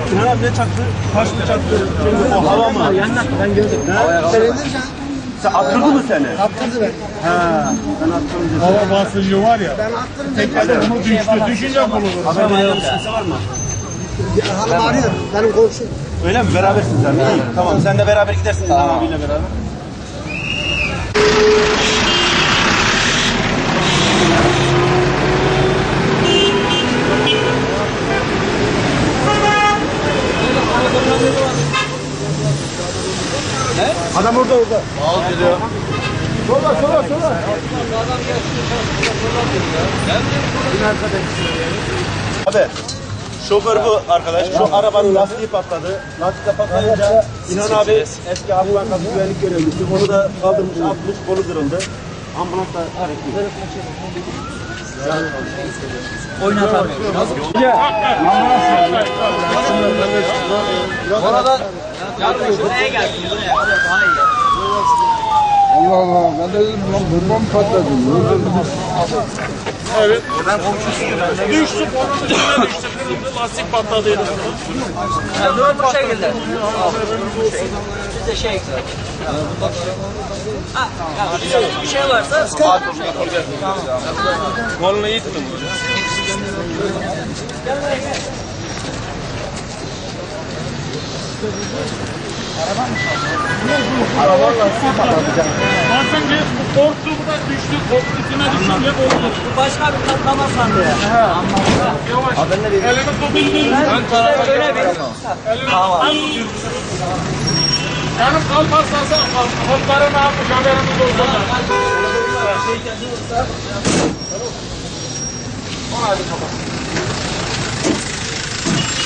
Sinan abi ne çaktı? Taş mı çaktı? O hava mı? Yanlattı ben gördüm. Sen attırdı mı seni? Attırdı beni. Ha, ben attırdım. Hava basıncı var ya. Ben attırdım. Tekrar onu düştü. Düşünce bulunur. Haberden kimse var mı? Hanım arıyor. Benim komşum. Öyle mi? Berabersiniz abi. İyi. Tamam. Sen de beraber gidersin Sinan abiyle beraber. Adam orada. Al geliyor. Sola. Abi, şoför bu arkadaş. Şu arabanın lastiği patladı. Lastik patlayınca İnan abi eski Halk Bankası güvenlik görevlisi. Onu da kaldırmış, atmış, kolu kırıldı. Ambulans da hareketli. Oynatamıyor. Orada Buraya gelsin. Daha iyi. Allah Allah. Ben de dedim lan bomba mı patladı? Evet. Düştük onun üstüne düştük. Lastik patladıydı. Bu şekilde. Biz de şey bir şey varsa Kolunu iyi tutun. Basıncı korktu bu da düştü. Üstüne düşünce bozdu. bu başka bir katlama sandı ya. Yavaş. Elini tutun. Ben öyle bir Yanım kalmazsa kolları ne yapmış haberimiz olsun. Hadi bakalım.